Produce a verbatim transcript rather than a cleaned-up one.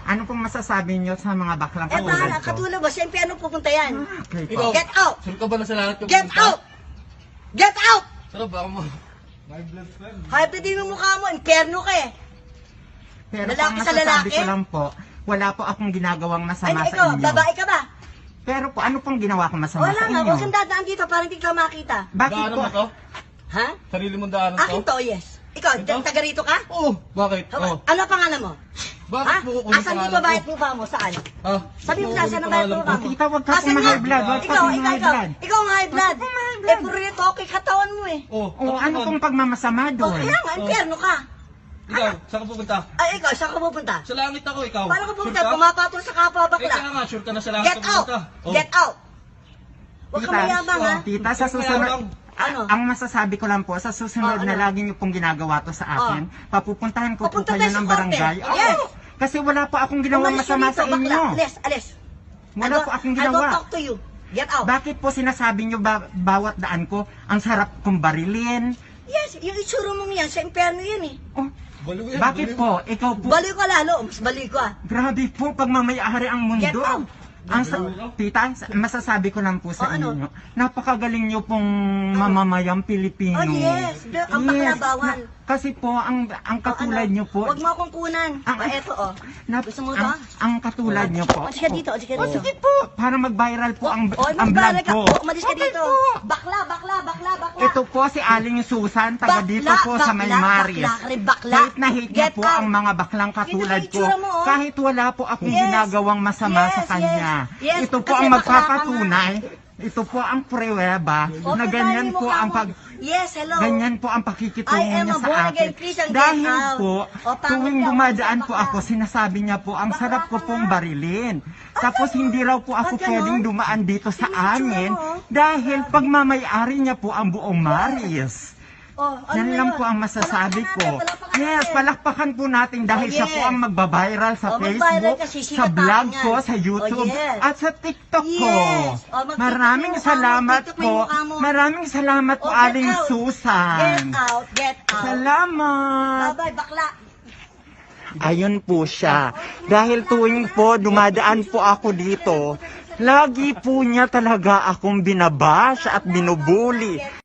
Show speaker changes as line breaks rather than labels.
Ano pong masasabi niyo sa mga baklang
Eh,
katulad
bahala,
ko?
katulad mo, siyempre ano pupunta yan?
Okay po.
Ikaw,
Get out!
saan ka ba na sa lahat yung
Get out! Get out!
Sarap ba mo?
Hype din yung mukha mo, impyerno ka eh.
Pero
Lalaki
ang
sa
masasabi
lalaki?
ko lang po, wala po akong ginagawang
Ay,
masama sa
ikaw,
inyo.
babae ka ba?
Pero po, ano pong ginawa ko masama
Wala
sa
nga,
inyo?
huwag kang dadaan dito para hindi ka makita.
Bakit
Daanan
po?
mo to?
Ha?
Sarili mong daanan
Akin
to?
to, yes. Ikaw,
Ito?
taga rito ka?
Oo. Bakit?
Haba-
Oo.
Ano ang pangalan mo?
Bakit
Ha?
mo kukunin
Asan
pangalan
dito ba
ko?
yung mukha mo? Saan?
Ha?
Sabi mo
Bakit
na, saan ang bayad
pangalan
mukha
ko?
mo?
Tita, wag ka
Asan
pong
nga?
high blood, wag ka
Ikaw,
pong
ikaw,
high
ikaw.
blood.
Ikaw ang high blood.
pong high blood.
Eh, puro rito, okay katawan mo eh.
Oo.
O ano pong pagmamasama
O,
doon?
kaya nga, impyerno ka.
Ikaw, saan ka pupunta?
Ay, ikaw, saan ka pupunta?
Sa langit ako, ikaw.
Paano ka pupunta?
Sure ka?
Pumapatol sa kapwa
Eh,
bakla.
kaya nga, sure ka na sa langit
Get
ka
out!
pupunta. Oh.
Get out! Huwag ka
Tita,
mayabang ha.
Tita, sa
Kaya
susunod,
lang.
Ano?
ang masasabi ko lang po, sa susunod
Oh,
na
ano?
lagi niyo pong ginagawa to sa akin, papupuntahan ko
Papunta
po kayo
tayo sa
ng
korte.
barangay. Oo.
Yes.
Kasi wala po akong ginawang
Umalis ka
masama
dito,
sa
bakla.
inyo.
Alis, alis. I
Wala
don't-
po akong
I don't
ginawa.
talk to you. Get out.
Bakit po sinasabi niyo ba, bawat daan ko, ang sarap kong barilin?
Yes, yung itsura mong yan, sa impyerno yan eh.
Oh,
Baliw yan,
bakit
baliw.
po? Ikaw po,
Baliw ka lalo, mas baliw ka.
grabe po, pagmamayari ang mundo.
Get out.
Ang sa, tita, masasabi ko lang po sa
Oh, ano?
inyo, napakagaling niyo pong mamamayang Pilipino.
Oh, yes. The- ang baklabawan.
na- kasi po, ang, ang katulad
ano?
niyo po,
Huwag mo akong kunan.
Ang-
Ah, eto oh.
na-
Gusto mo to?
ang, ang katulad niyo po.
O, sige dito, o, sige
Oh,
dito.
sige po, para mag-viral po ang,
O,
ang vlog
magbalag ka.
ko.
O, umalis ka
Okay
dito.
po.
Bakla, bakla, bakla, bakla.
Ito po si Aling Susan, taga
Bakla,
dito po sa May
bakla,
Maris.
bakla ka rin, bakla.
Hate na hate niya
Get
po
out.
ang mga baklang katulad
Ito
ko.
yung itsura mo, oh.
Kahit wala po akong
Yes.
ginagawang masama
Yes,
sa kanya.
yes, yes.
Ito po
Kasi
ang
bakla ka
magpapatunay. Ito po ang pruweba
O,
na
kita
ganyan
yung
po
mukha
ang
mo.
pag...
Yes, hello.
Ganyan po ang pakikitungo
I am
niya
a
sa
born
akin.
again Christian, get
Dahil
out.
po,
O, pangit
tuwing
ka,
dumadaan
bakla
po
ka.
ako, sinasabi niya po, ang
Bakla
sarap ko
ka
pong
nga.
barilin. Tapos hindi raw po ako
Ba't ganon?
pwedeng dumaan dito sa
Yung itsura
amin
mo, oh.
dahil pagmamayari niya po ang buong Maris.
Oh, ano
Yan
na
lang
yun?
po ang masasabi
Palakpakan
ko.
natin, palakpakan
Yes,
natin.
palakpakan po natin dahil
Oh,
siya po
yes.
ang magbabiral sa
Oh, magviral
Facebook,
kasi
sa
sikat
vlog
tayo
ko,
yan.
sa YouTube,
Oh, yes.
at sa TikTok ko.
Yes. Oh, mag-TikTok
Maraming
mo yung mukha mo,
salamat
TikTok mo
po.
yung mukha mo.
Maraming salamat po,
Oh, get
Aling
out.
Susan.
Get out, get out.
Salamat.
Bye-bye, bakla.
Ayun po siya. Dahil tuwing po dumadaan po ako dito, lagi po niya talaga akong binabash at binubuli.